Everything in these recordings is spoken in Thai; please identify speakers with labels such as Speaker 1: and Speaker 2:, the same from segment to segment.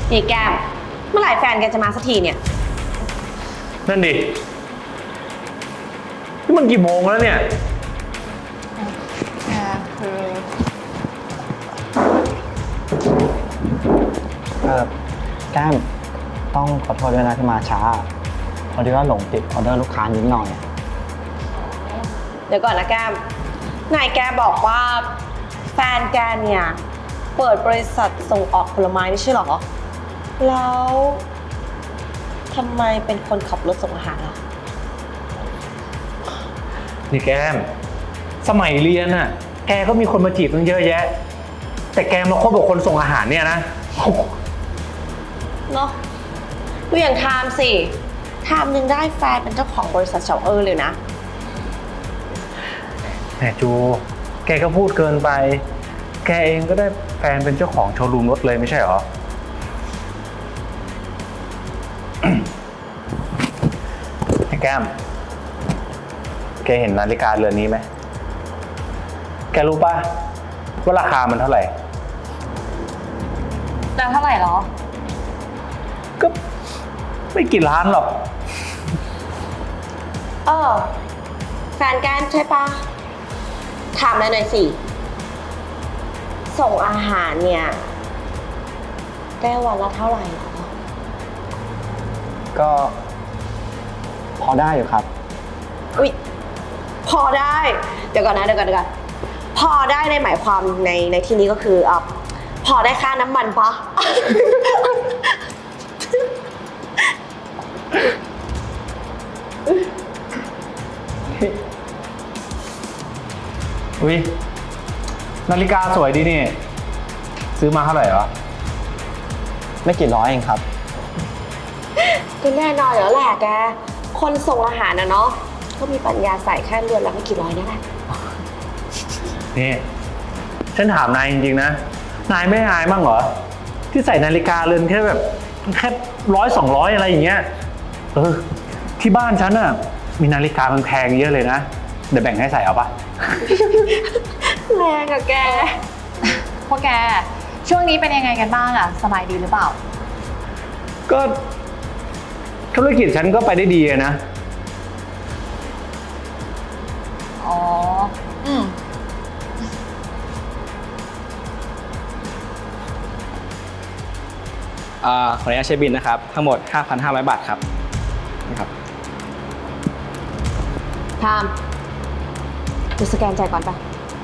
Speaker 1: นี่แก้มเมื่อไหร่แฟนแกจะมาสักทีเนี่ย
Speaker 2: นั่นดินี่มันกี่โมงแล้วเนี่ย
Speaker 3: แก้มต้องขอโทษด้วยนะที่มาช้าพอดีว่าหลงติดออเดอร์ลูกค้านิดหน่อย
Speaker 1: เดี๋ยวก่อนนะแก้มนายแกบอกว่าแฟนแกเนี่ยเปิดบริษัทส่งออกผลไม้ไม่ใช่หรอแล้วทำไมเป็นคนขับรถส่งอาหารล่ะ
Speaker 2: นี่แก้มสมัยเรียนน่ะแกก็มีคนมาจีบตั้งเยอะแยะแต่แกมาคบกับคนส่งอาหารเนี่ยนะ
Speaker 1: เนาะดูอย่างไทม์สิไทม์ยังได้แฟนเป็นเจ้าของบริษัทเฉาเลยนะ
Speaker 2: แหมจูแกก็พูดเกินไปแกเองก็ได้แฟนเป็นเจ้าของโชว์รูมรถเลยไม่ใช่หรอ ไอ้แก้มแกเห็นนาฬิกาเรือนนี้ไหมแกรู้ป่ะว่าราคามันเท่าไหร่
Speaker 1: แล้วเท่าไหร่หรอ
Speaker 2: ก็ไม่กี่ล้านหรอก
Speaker 1: แฟนแกใช่ปะถามหน่อยสิส่งอาหารเนี่ยได้วันละเท่าไหร่หรอ
Speaker 3: ก็พอได้อยู่ครับ
Speaker 1: อุ๊ยพอได้เดี๋ยวก่อนพอได้ในหมายความในที่นี้ก็คือพอได้ค่าน้ำมันปะ
Speaker 2: อุ๊ยนาฬิกาสวยดีนี่ซื้อมาเท่าไหร่วะ
Speaker 3: ไม่กี่ร้อยเองครับ
Speaker 1: ก็แน่นอนแล้วแหละแกคนส่งอาหารนะเนาะก็มีปัญญาใส่แค่เรือนละไม่กี่ร้อยนี่แหละ
Speaker 2: นี่ฉันถามนายจริงๆนะนายไม่อายบ้างเหรอที่ใส่นาฬิกาเรือนแค่แบบแค่100-200อะไรอย่างเงี้ยที่บ้านฉันน่ะมีนาฬิกาแพงๆเยอะเลยนะเดี๋ยวแบ่งให้ใส่เอาปะ
Speaker 1: แรงอะแก
Speaker 4: พวกแกช่วงนี้เป็นยังไงกันบ้างอะสบายดีหรือเปล่า
Speaker 2: ก็ธุรกิจฉันก็ไปได้ดีนะ
Speaker 4: อ๋อ
Speaker 3: ขออนุญาตเช็คบิลนะครับทั้งหมด 5,500 บาทครับนี่ครับ
Speaker 1: ไทม์จะสแกนจ่ายก่อนปะ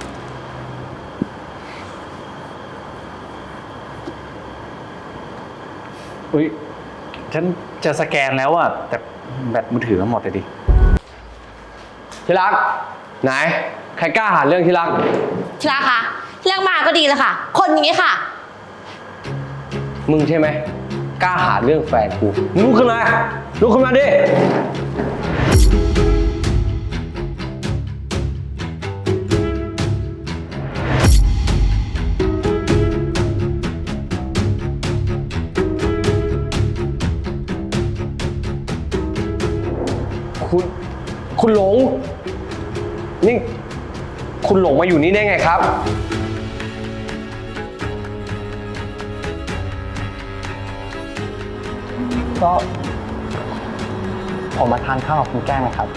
Speaker 2: อุ๊ยฉันจะสแกนแล้วอะแต่แบตมือถือมันหมดเลยดิ
Speaker 5: ที่รักไหนใครกล้าหาเรื่องที่รัก
Speaker 1: ที่รักคะเรื่องมาก็ดีเลยค่ะคนอย่างนี้ค่ะ
Speaker 5: มึงใช่ไหมกล้าหาเรื่องแฟนกูลุกขึ้นมาดิคุณหลงนี่คุณหลงมาอยู่นี่ได้ไงครับ
Speaker 3: ก็ผมมาทานข้าวกับคุณแก้มครับ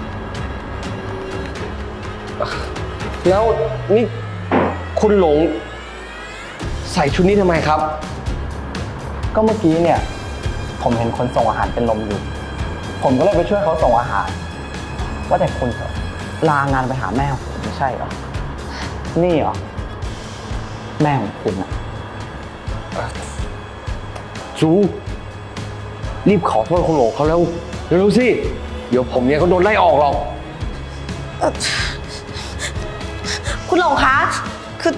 Speaker 5: แล้วนี่คุณหลงใส่ชุดนี้ทำไมครับ
Speaker 3: ก็เมื่อกี้เนี่ยผมเห็นคนส่งอาหารเป็นลมอยู่ผมก็เลยไปช่วยเขาส่งอาหารว่าแต่คุณลางานไปหาแม่ของผมไม่ใช่เหรอนี่เหรอแม่ของคุณอะ
Speaker 5: จูรีบขอโทษคุณหลงเขาแล้วเร็วๆสิเดี๋ยวผมเนี่ยเขาโดนไล่ออกหรอก
Speaker 1: คุณหลงคะคือ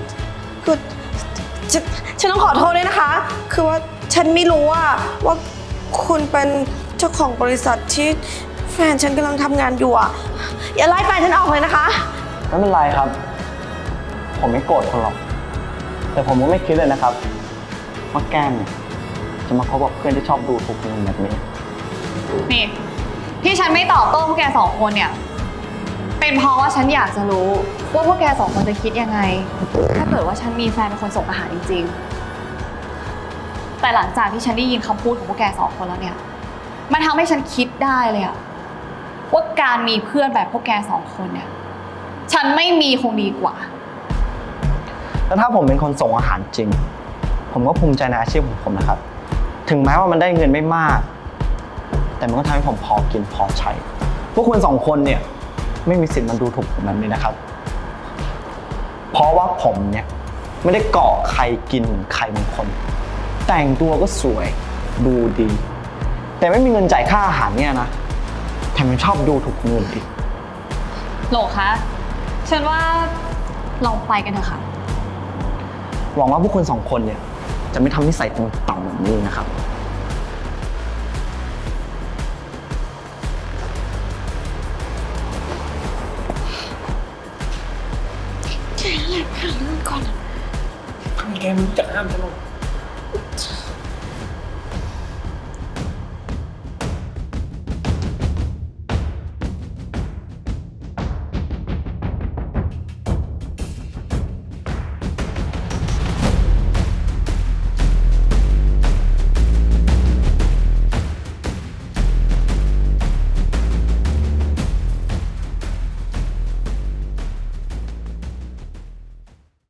Speaker 1: ฉันต้องขอโทษด้วยนะคะคือว่าฉันไม่รู้ว่าคุณเป็นเจ้าของบริษัทที่แฟนฉันกำลังทำงานอยู่อ่ะอย่าไล่แฟนฉันออกเลยนะคะ
Speaker 3: ไม่เป็นไรครับผมไม่โกรธคุณหรอกแต่ผมก็ไม่คิดเลยนะครับว่าแก้มเนี่ยจะมาคบกับเพื่อนที่ชอบดูถูกคนแบบนี้
Speaker 4: นี่ที่ฉันไม่ตอบโต้พวกแกสองคนเนี่ยเป็นเพราะว่าฉันอยากจะรู้ว่าพวกแกสองคนจะคิดยังไงถ้าเกิดว่าฉันมีแฟนเป็นคนส่งอาหารจริงๆแต่หลังจากที่ฉันได้ยินคำพูดของพวกแกสองคนแล้วเนี่ย มันทำให้ฉันคิดได้เลยอะว่าการมีเพื่อนแบบพวกแกสองคนเนี่ย ฉันไม่มีคงดีกว่า
Speaker 3: แล้วถ้าผมเป็นคนส่งอาหารจริง ผมก็ภูมิใจในอาชีพของผมนะครับ ถึงแม้ว่ามันได้เงินไม่มาก แต่มันก็ทำให้ผมพอกินพอใช้ พวกคุณสองคนเนี่ยไม่มีสิทธิ์มาดูถูกผมแบบนี้นะครับ เพราะว่าผมเนี่ยไม่ได้เกาะใครกินเหมือนใครบางคน แต่งตัวก็สวยดูดี แต่ไม่มีเงินจ่ายค่าอาหารเนี่ยนะแถมยังชอบดูถูกคนอื่นอีก
Speaker 4: โหลคะ ฉันว่าเราไปกันเถอะค่ะ
Speaker 3: หวังว่าพวกคุณสองคนเนี่ยจะไม่ทำนิสัยต่ำๆแบบนี้นะครับ
Speaker 2: แกไม่รู้จักห้ามฉันหรอก